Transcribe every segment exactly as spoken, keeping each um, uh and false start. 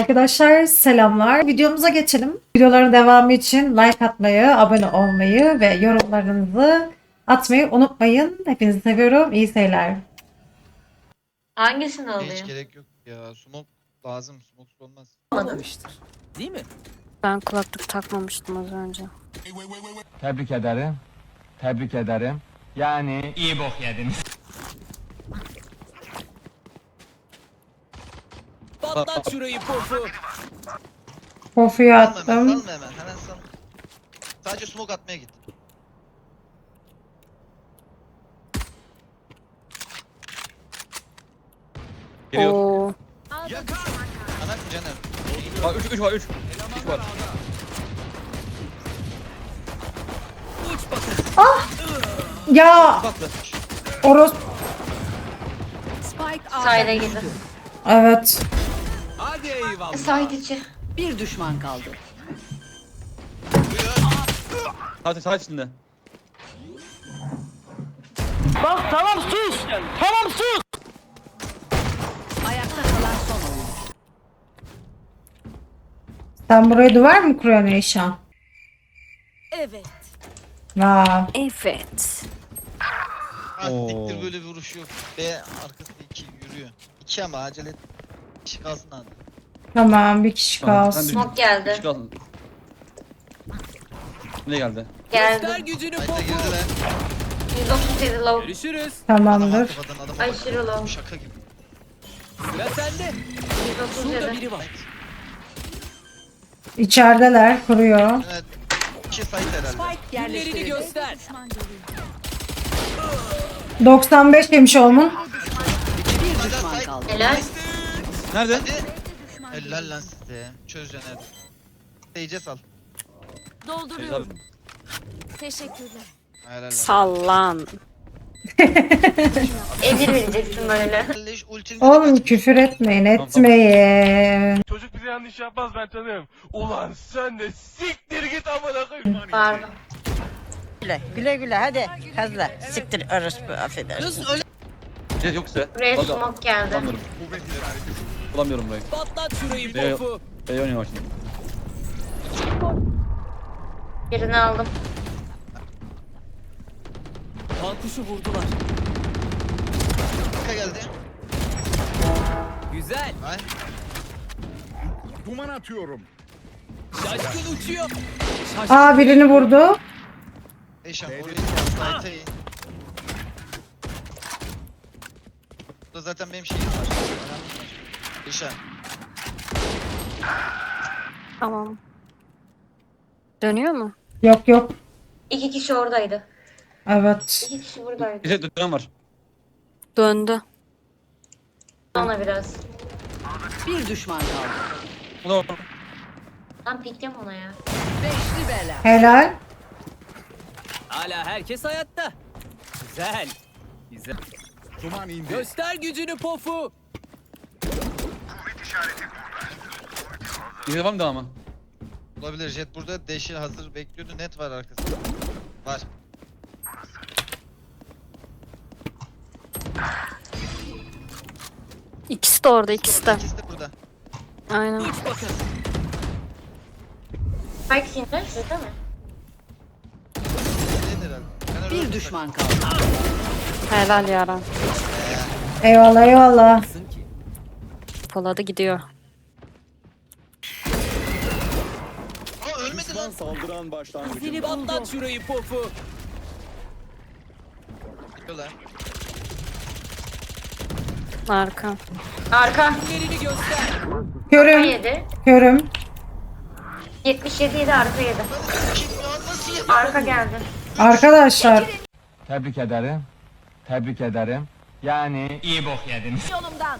Arkadaşlar selamlar. Videomuza geçelim. Videoların devamı için like atmayı, abone olmayı ve yorumlarınızı atmayı unutmayın. Hepinizi seviyorum. İyi seyirler. Hangisini Hiç alayım? gerek yok ya. Smoke lazım. Smoke olmaz. Olmamıştır. Değil mi? Ben kulaklık takmamıştım az önce. Tebrik ederim. Tebrik ederim. Yani iyi bok yediniz. Patlat şurayı pofu. Kofuyu Salma hemen, attım. salma hemen. Hemen sal. Sadece smoke atmaya git. Geliyor. Oo. Ana canım. Bak üç üç var üç. üç var. Uç bakın. Ya Patlı. Oros. Spike Sayda A'da gidin. düştü. Evet. Hadi eyvallah. Side içi. Bir düşman kaldı. Hadi sağ içinde. Ayakta kalan son oyun. Sen buraya duvar mı kuruyorsun Eyşan? Evet. Ya. Evet. Ah Oo. siktir, böyle bir vuruş yok. B arkası iki yürüyor. İki ama acele et. İşi kalsın hadi. Tamam, bir kişi Tamam, kalsın. sen Smoke geldi. Üç kaldı. Ne geldi? Göster Geldi. gücünü Hayda pofu. girdiler. yüz otuz yedi low. Görüşürüz. Adam Tamamdır. kafadan adam Aşırı low. şaka gibi. Sıra sende. yüz otuz Şurada yedi. biri var. İçerideler, kuruyor. Evet. İki site herhalde. Spike Günlerini yerleştirildi. göster. doksan beş demiş olmun. Bir düşman kaldı. Helal. Nerede? Hadi. Helal lan size. Çözeceksin hadi. Seyce sal. Dolduruyorum. Teşekkürler. Helal lan. Sallan. Emir vereceksin böyle. Leş ultini Oğlum küfür etmeyin, etmeyin. Çocuk bize yanlış yapmaz, ben tanırım. Ulan sen de siktir git amına koyayım. Pardon. Güle güle güle hadi hızlı siktir orospu affedersin. Ne yok size. Buraya Vallahi smoke geldi. Bulamıyorum. Bulamıyorum burayı. Patlat şurayı B, pofu. B oynuyor şimdi. Birini aldım. Kankuşu vurdular. Arka geldi. Güzel. Ay. Şaşkın uçuyor. Aa, birini vurdu. Eşan orayı site'e in. Burada zaten benim şeyim var. Eşan. Tamam. Dönüyor mu? Yok yok. İki kişi oradaydı. Evet. İki kişi buradaydı. Bir şey dönem var. Döndü. Ona biraz. Bir düşman kaldı. O da orada. Lan piklem ona ya. Beşli bela. Helal. Hala herkes hayatta. Güzel. Güzel. Göster gücünü pofu. Bir de var mı devamı? Olabilir. Jet burada. Deşi hazır bekliyordu. Net var arkasında. Var. İkisi de orada, ikisi de. İkisi de burada. Aynen. Uç bakın. Spike sinirler şurada mı? Nedir herhalde? Ben öyle Bir olsam- düşman kaldı. Helal yaran. Eyvallah eyvallah. Nasılsın ki? Poladı gidiyor. Aa ölmedi lan. Patlat şurayı pofu. Gidiyorlar. Arka. Arka. Günlerini göster. Arka Körüm. yedi. Körüm. yetmiş yedi yedi arka yedi. Kim ya? Nasıl ya? Arka geldi. Arkadaşlar. Tebrik ederim. Tebrik ederim. Yani iyi bok yediniz. Yolumdan.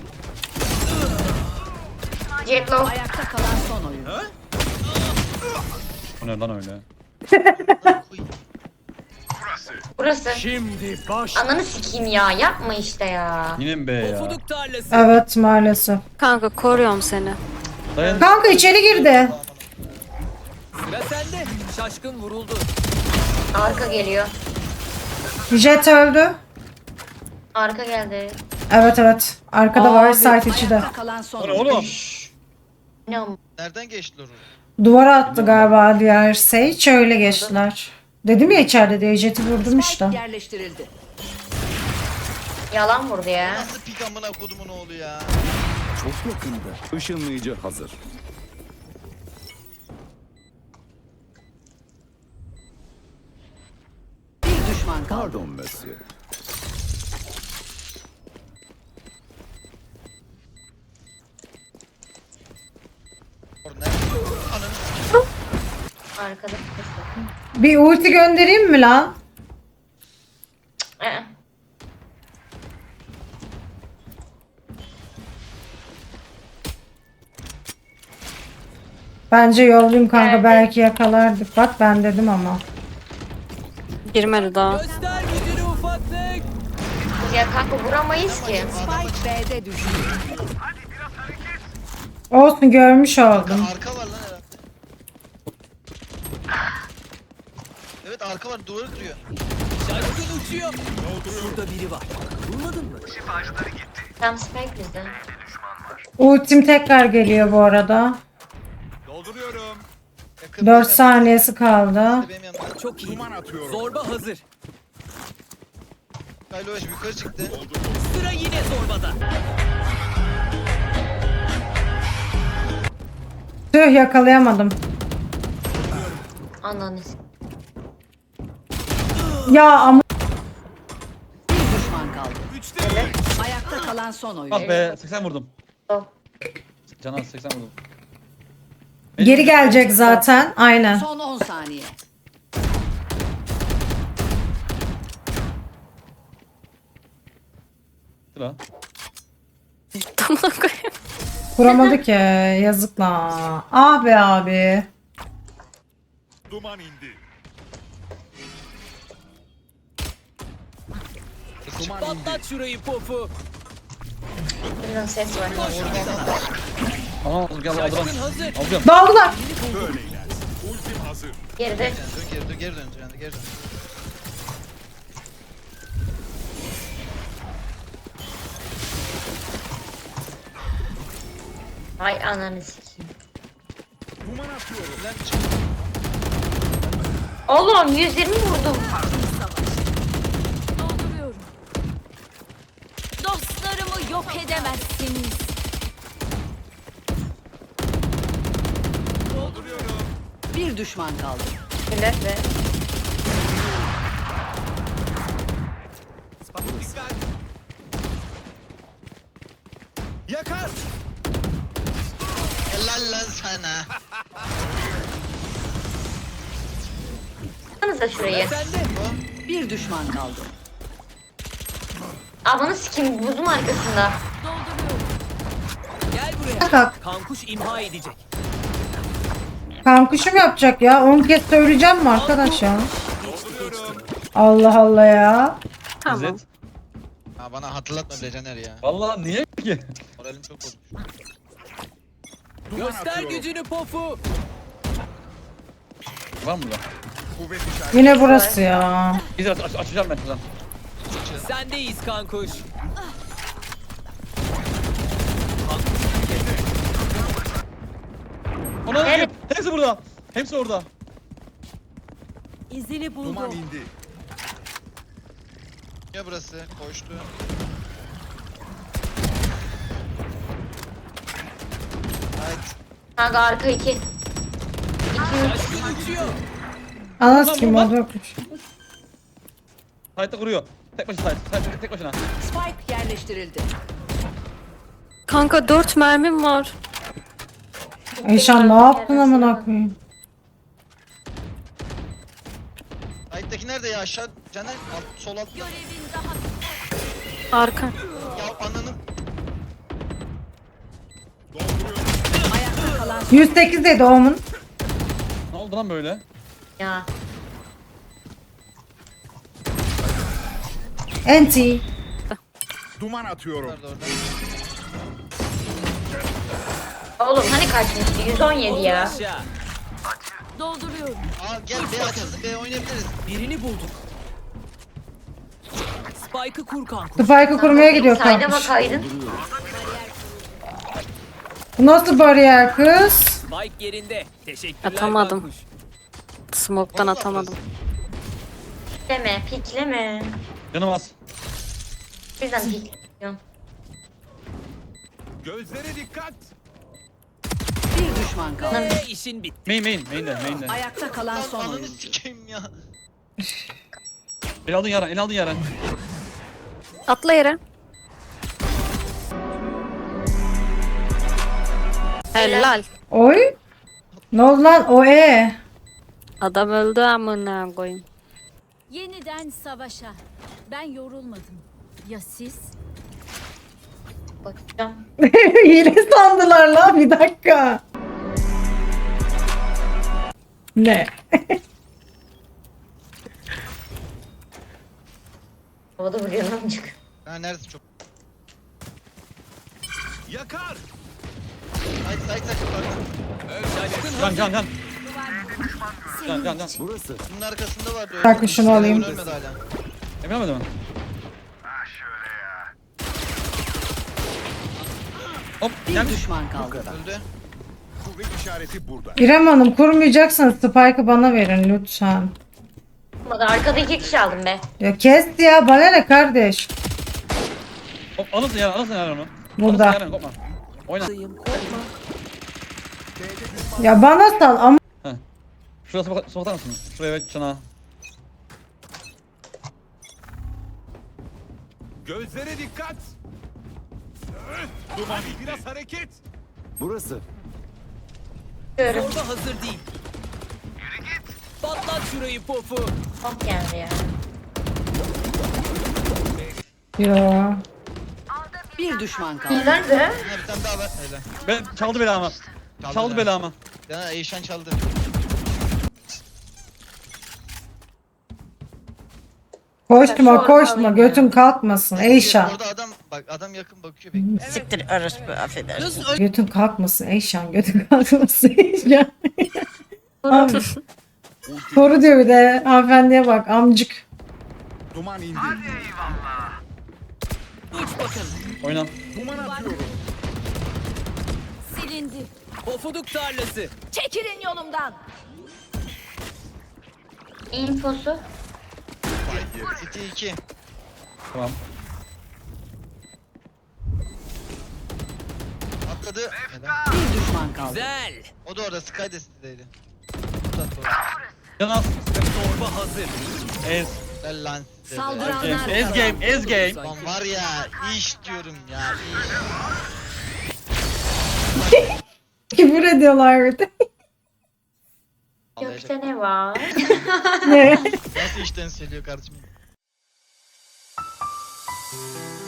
Jet low. Ayakta kalan son oyun. O ne lan öyle? Burası. Şimdi baş. Ananı sikeyim ya. Yapma işte ya. Yine mi B ya? Pofuduk tarlası. Evet, maalesef. Kanka koruyorum seni. Dayan. Kanka içeri girdi. Sıra sende. Şaşkın vuruldu. Arka geliyor. Jet öldü. Arka geldi. Evet evet. Arkada var, Abi. site içi de. Ayakta kalan son O ne oyun. oğlum? Ne am- Nereden geçtiler oraya? Duvara attı galiba diğer Sage. Öyle geçtiler. Dedim ya içeride diye jeti vurdum işte. Spike yerleştirildi. Yalan vurdu ya. Nasıl pik amına kodumun oğlu ya? Çok yakında. Işınlayıcı hazır. Bir düşman kaldı. Pardon Messi. Orada nerede? Ananı Arkada. Bir ulti göndereyim mi lan? Ee, Bence yollayayım kanka, Nerede? belki yakalardık. Bak ben dedim ama. Girmedi daha. Göster gücünü ufaklık. Ya kanka vuramayız ki. Spike B'de düştü. Olsun, görmüş oldum. arka var lan herhalde. Evet arka var, duvarı duruyor. Şaşkın uçuyor. Şurada biri var. Bulmadın mı? Tam spike bizde. Ultim tekrar geliyor bu arada. Dolduruyorum. Yakın dört benim saniyesi kaldı. yanımda, benim yanımda. Çok iyi. Duman atıyorum. Zorba hazır. Kylo Eş yukarı çıktı. Sıra yine zorbada. Tüh, yakalayamadım. Ananı s- Ya ama Bir düşman kaldı. Ayakta kalan son oyuncu. Ah be seksen vurdum. Sol. Canan seksen vurdum. geri gelecek zaten. Aynen. Son on saniye. Sıra. Tamam koyayım. Vuramadı ki. Yazık lan. Ah be abi. Duman indi. Patlat şurayı pofu. Buradan ses var. Aha gel aldılar. Şaşkın hazır. Alacağım. Daldılar. Böyleler. Ultim hazır. Geride. Dön geri dön, geri dön, geri dön, geri dön. Ay ananı sikeyim. Duman atıyorum. Lan çık. Oğlum yüz yirmi vurdum. Dolduruyorum. Dostlarımı yok edemezsiniz. Dolduruyorum. Bir düşman kaldı. Millet ve Dikkat. Yakar. Helal lan sana. Baksanıza şurayı. Sende. Bir düşman kaldı. Amanı sikeyim buzun arkasında. Gel buraya. Kalk. Kankuş imha edecek. Kankuşum yapacak ya. on kez söyleyeceğim mi arkadaş ya? Dolduruyorum. Allah Allah ya. Tamam. İzzet. Ha bana hatırlatma bile Caner ya. Vallahi niye ki? Moralim çok bozuk. Duman Göster atıyorum. gücünü pofu. Var mı burada? Kuvvet işareti. Yine burası ya. İzzet aç, açacağım ben şuradan. Sendeyiz kankuş. Ona Evet. hepsi burada. Hepsi orada. İzini Duman indi. Ya burası koştu. Evet. Kanka arka iki. İki üç. Şaşkın uçuyor. Anas kim oldu yokmuş. Sight'ta kuruyor. Tek başına sight. Sight tek başına. Spike yerleştirildi. Kanka dört mermim var. Eyşan ne yaptın amına koyayım? Ayıktaki nerede ya, aşağı Caner alt, sol alt. Arka. Ya ananı. Dolduruyorum. Ayakta kalan yüz sekiz dedi Omun. Ne oldu lan böyle? Ya. Enti. Duman atıyorum. Nerede orada? Oğlum hani kaçmıştı? yüz on yedi Otur ya. aşağı. dolduruyorum. Aa gel B açılsın, B oynayabiliriz. Birini bulduk. Spike'ı kur kankuş. Spike'ı kurmaya gidiyor Sayda kankuş. bakaydın. Bu nasıl bariyer kız? Spike yerinde. Teşekkürler. Atamadım. Kankuş. Smoke'tan Vallahi atamadım. Pikleme, pikleme. Canım az. Birden pikliyorum. Gözlere dikkat. Bir düşman kaldı. Ve işin bitti. Main main. Main'de main'de. Ayakta kalan Lan son ananı oyuncu. sikeyim ya. El aldın Yaren. El aldın Yaren. Atla yere. Helal. Oy. Ne oldu lan o e? Adam öldü amına koyayım. Yeniden savaşa. Ben yorulmadım. Ya siz? Bakacağım. Hile sandılar lan bir dakika. Ne? Havada vuruyor amcık. Ha neresi çok. Yakar. Haydi haydi haydi. Can can can. Can can can. Burası. Bunun arkasında vardı. öyle. Bak, şunu alayım. Ölmedi hala. Emin olmadı mı? Hop gel. Bir düşman kaldı. Öldü. Kuvvet işareti burada. İrem Hanım kurmayacaksanız Spike'ı bana verin lütfen. Olmadı. Arkada iki kişi aldım be. Ya kes ya bana ne kardeş. Hop alırsın Yaren. Alırsın Yaren onu. Burada. Alırsın Yaren kopma. Oyna. Ya bana sal ama Şuraya smoke smoke atar mısın? Şuraya evet çana. Gözlere dikkat. Duman biraz hareket. Burası. Görüyorum. Orada hazır değil. Patlat şurayı pofu. Hop geldi ya. ya. Bir düşman kaldı. Nerede? Ha bir tane daha var. Öyle. Ben çaldı belamı. Çaldı belamı. Ya Eyşan çaldı. Koşma koşma götün kalkmasın Eyşan. Orada adam bak adam yakın bakıyor bekliyor. Siktir orospu affedersin. Götün kalkmasın Eyşan götün kalkmasın Eyşan. Abi. Soru diyor bir de hanımefendiye bak amcık. Duman indi. Uç bakalım. Oyna. Duman atıyorum. Silindi. Pofuduk tarlası. Çekilin yolumdan. Infosu. City iki. Tamam. Atladı. Neden? Bir düşman kaldı. Güzel. O da orada Sky de City'deydi. Tut orada. Can az. Torba hazır. Ez. Gel lan size be. Saldıranlar Ez game. Ez game. Lan var ya iş diyorum ya iş. Küfür ediyorlar bir de. Gökte ne var? Ne? Nasıl işten söylüyor kardeşim?